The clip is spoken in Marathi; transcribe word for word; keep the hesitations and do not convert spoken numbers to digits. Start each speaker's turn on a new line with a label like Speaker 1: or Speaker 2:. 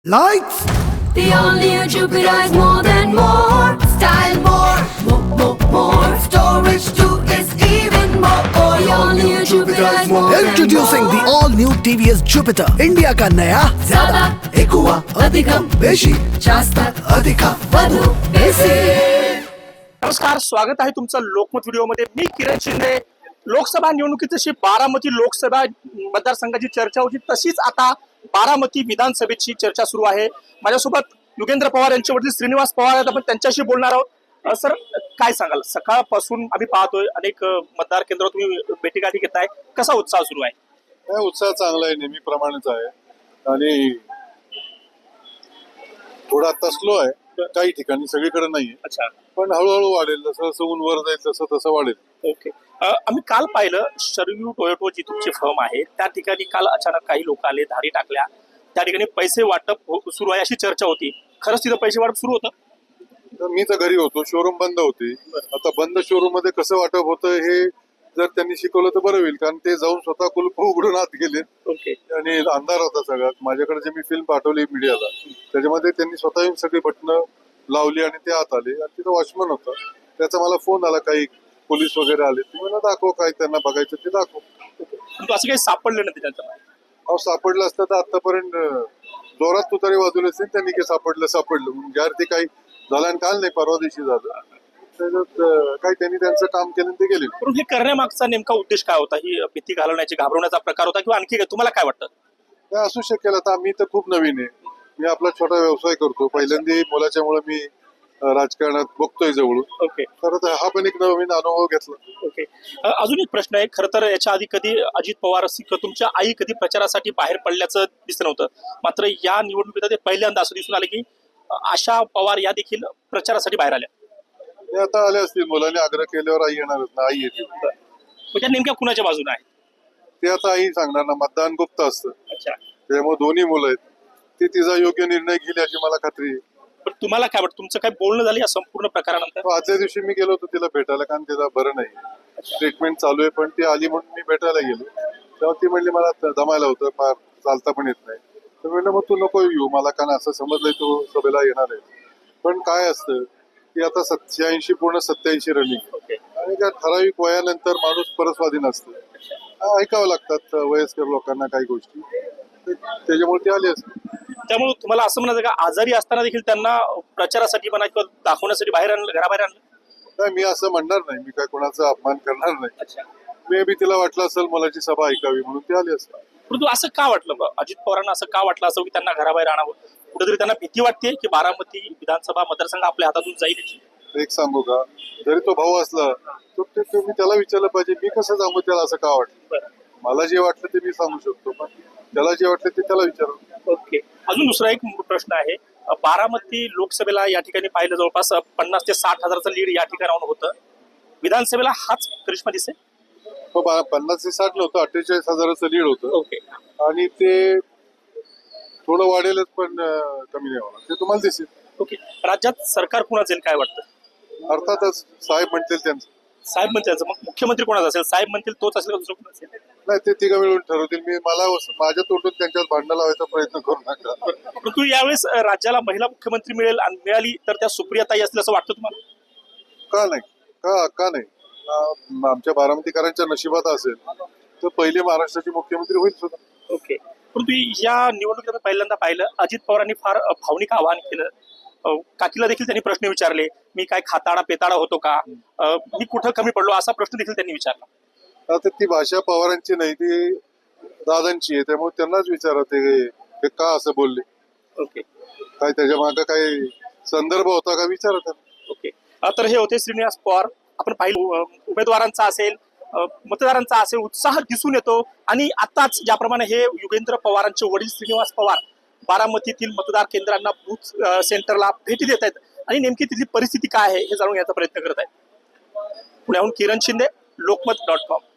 Speaker 1: Lights!
Speaker 2: The all-new Jupiter is more than more. Style more, more, more, more. Storage too is even more. The all-new Jupiter is more than more.
Speaker 1: Introducing the all-new T V S Jupiter, India का नया
Speaker 2: ज़्यादा,
Speaker 1: एकुआ
Speaker 2: अधिकम,
Speaker 1: बेशी
Speaker 2: जास्त,
Speaker 1: अधिका
Speaker 2: वधू, बेसी.
Speaker 3: नमस्कार, स्वागत आहे तुमचं लोकमत व्हिडिओमध्ये. मी किरण शिंदे. लोकसभा निवडणुकीत जशी बारामती लोकसभा मतदारसंघाची चर्चा होती तशीच आता बारामती विधानसभेची चर्चा सुरू आहे. माझ्यासोबत युगेंद्र पवार यांचे वडील श्रीनिवास पवार आहेत. आपण त्यांच्याशी बोलणार आहोत. अ, सर, काय सांगाल? सकाळपासून आम्ही पाहतोय अनेक अ, मतदार केंद्रावर तुम्ही भेटीगाठी घेताय. कसा उत्साह सुरू आहे?
Speaker 4: नाही, उत्साह चांगला आहे, नेहमीप्रमाणेच आहे. आणि थोडा आता स्लो आहे काही ठिकाणी, सगळीकडे नाहीये.
Speaker 3: अच्छा,
Speaker 4: पण हळूहळू वाढेल. जसं जसं ऊन वर जाईल तसं तसं वाढेल.
Speaker 3: ओके. अ, आम्ही काल पाहिलं शरयू टोयोटो जी तुमची फर्म आहे त्या ठिकाणी काल अचानक काही लोक आले, धाडी टाकल्या. त्या ठिकाणी पैसे वाटप हो- सुरू आहे अशी चर्चा होती. खरंच तिथं पैसे वाटप सुरू होतं?
Speaker 4: तर मी तर घरी होतो, शोरूम बंद होते. आता बंद शोरूम मध्ये कसं वाटप होतं हे जर त्यांनी शिकवलं तर बरं होईल, कारण ते जाऊन स्वतः कुलप उघडून आत गेले
Speaker 3: ओके.
Speaker 4: आणि अंधार होता सगळ्यात. माझ्याकडे जे मी फिल्म पाठवली मीडियाला त्याच्यामध्ये त्यांनी स्वतः येऊन सगळी बटणं लावली आणि ते आत आले. आणि तिथं वॉचमन होता, त्याचा मला फोन आला, काही पोलीस वगैरे आले. ते मला दाखव, काय त्यांना बघायचं ते दाखव.
Speaker 3: पण असं काही सापडलं नाही त्याच्यात?
Speaker 4: अहो, सापडलं असतं तर आतापर्यंत जोरात तुतारी वाजवले असते. त्यांनी काही सापडलं सापडलं म्हणून ज्यावर ते काही झालं आणि काल नाही परवा दिवशी झालं. त्याच्यात अं, काही त्यांनी त्यांचं काम केलं आणि ते गेले.
Speaker 3: पण हे करण्यामागचा नेमका उद्देश काय होता? ही भीती घालवण्याची, घाबरवण्याचा प्रकार होता किंवा आणखी काय? तुम्हाला काय वाटतं?
Speaker 4: काय असू शकेल. आता मी तर खूप नवीन आहे. मी आपला छोटा व्यवसाय करतो. पहिल्यांदा मुलाच्यामुळे मी अं, राजकारणात बघतोय जवळून.
Speaker 3: ओके,
Speaker 4: तर आता हा पण एक नवीन अनुभव घेतला.
Speaker 3: ओके. अ, अजून एक प्रश्न आहे. खरं तर याच्या आधी कधी अजित पवार असतील किंवा तुमच्या आई कधी प्रचारासाठी बाहेर पडल्याचं दिसलं नव्हतं. मात्र या निवडणुकीत ते पहिल्यांदा असं दिसून आलं की अ, आशा पवार या देखील प्रचारासाठी बाहेर आल्या.
Speaker 4: हे आता आले असतील, मुलांनी आग्रह केल्यावर आई येणारच ना, आई येते.
Speaker 3: म्हणजे नेमक्या कुणाच्या बाजूने आहे?
Speaker 4: ते आता आई सांगणार ना, मतदान गुप्त असतं.
Speaker 3: अच्छा.
Speaker 4: त्यामुळे दोन्ही मुलं आहेत. ते तिचा योग्य निर्णय घेईल याची मला खात्री आहे.
Speaker 3: पण तुम्हाला काय वाटतं? तुमचं काय बोलणं झालं या संपूर्ण प्रकारानंतर?
Speaker 4: तो आदल्या दिवशी मी गेलो होतो तिला भेटायला, कारण तिला बरं नाही, ट्रीटमेंट चालू आहे. पण ती आली म्हणून मी भेटायला गेलो. तेव्हा ती म्हणली मला दमायला होतं, फार चालता पण येत नाही. तर म्हणलं मग तू नको येऊ मला, कारण असं समजलंय तू सभेला येणार आहे. पण काय असतं की आता सत्याऐंशी पूर्ण सत्याऐंशी रनिंग
Speaker 3: ओके.
Speaker 4: आणि त्या ठराविक वयानंतर माणूस परस्वाधी नसतं. हा, ऐकावं लागतात वयस्कर लोकांना काही गोष्टी. ते- त्याच्यामुळे ती आली असते.
Speaker 3: त्यामुळे तुम्हाला असं म्हणायचं का आजारी असताना देखील त्यांना प्रचारासाठी म्हणा किंवा दाखवण्यासाठी बाहेर आणलं, घराबाहेर आणलं?
Speaker 4: नाही, मी असं म्हणणार नाही. मी काय कोणाचा अपमान करणार नाही.
Speaker 3: अच्छा.
Speaker 4: मे बी तिला वाटलं असेल मुलाची सभा ऐकावी म्हणून ती आली असेल.
Speaker 3: परंतु असं का वाटलं बा? अजित पवारांना असं का वाटलं असं की त्यांना घराबाहेर आणावं? कुठेतरी त्यांना भीती वाटते की बारामती विधानसभा मतदारसंघ आपल्या हातातून जाईल याची?
Speaker 4: एक सांगू का, जरी तो भाऊ असला तर ते तुम्ही त्याला विचारलं पाहिजे, मी कसं सांगू त्याला असं का वाटलं.
Speaker 3: बरं.
Speaker 4: मला जे वाटलं ते मी सांगू शकतो, पण त्याला जे वाटलं ते त्याला विचारू.
Speaker 3: ओके. अजून दुसरा एक प्रश्न आहे. अ, बारामती लोकसभेला या ठिकाणी पाहिलं जवळपास पन्नास ते साठ हजाराचं लीड या ठिकाणाहून होतं. विधानसभेला हाच करिश्मा दिसेल?
Speaker 4: तो बा- पन्नास ते साठ नव्हतं, अठ्ठेचाळीस हजाराचं लीड होतं.
Speaker 3: ओके.
Speaker 4: आणि ते थोडं वाढेलच, पण अं, कमी नाही होणार, ते तुम्हाला दिसेल.
Speaker 3: ओके. राज्यात सरकार कुणाचं येईल काय वाटतं?
Speaker 4: अर्थातच साहेब म्हणतील त्यांचं.
Speaker 3: साहेब म्हणतील, मग मुख्यमंत्री कोणाचा असेल? साहेब म्हणतील तोच असेल का दुसरं कोण असेल?
Speaker 4: नाही, ते तिघं मिळून ठरवतील. मी मला माझ्या तोटून त्यांच्यात भांडणं लावायचा प्रयत्न करू नका.
Speaker 3: परंतु यावेळेस अ, राज्याला महिला मुख्यमंत्री मिळेल आणि मिळाली तर त्या सुप्रियाताई असतील असं वाटतं तुम्हाला?
Speaker 4: का नाही, का का नाही. आ- आमच्या बारामतीकरांच्या नशिबात असेल तर पहिले महाराष्ट्राचे मुख्यमंत्री होईल सुद्धा.
Speaker 3: ओके. परंतु या निवडणुकीत आम्ही पहिल्यांदा पाहिलं अजित पवारांनी फार अ, भावनिक आवाहन केलं. अ, काकीला देखील त्यांनी प्रश्न विचारले, मी काय खाताडा पेताडा होतो का? अ, मी कुठं कमी पडलो असा प्रश्न देखील त्यांनी विचारला.
Speaker 4: आता ती भाषा पवारांची नाही, ती दादांची आहे. त्यामुळे त्यांनाच विचारा ते हे का असं बोलले,
Speaker 3: ओके,
Speaker 4: काय त्याच्या मागे काही संदर्भ होता का विचारा त्यांना.
Speaker 3: ओके. अ, तर हे होते श्रीनिवास पवार. आपण पाहिलं अ, उमेदवारांचा असेल, अ, मतदारांचा असेल, उत्साह दिसून येतो. आणि आताच ज्याप्रमाणे हे युगेंद्र पवारांचे वडील श्रीनिवास पवार बारामतीतील मतदार केंद्रांना बूथ अ, सेंटरला भेटी देत आहेत आणि नेमकी तिथली परिस्थिती काय आहे हे जाणून घ्यायचा प्रयत्न करत आहेत. पुण्याहून किरण शिंदे, लोकमत डॉट कॉम.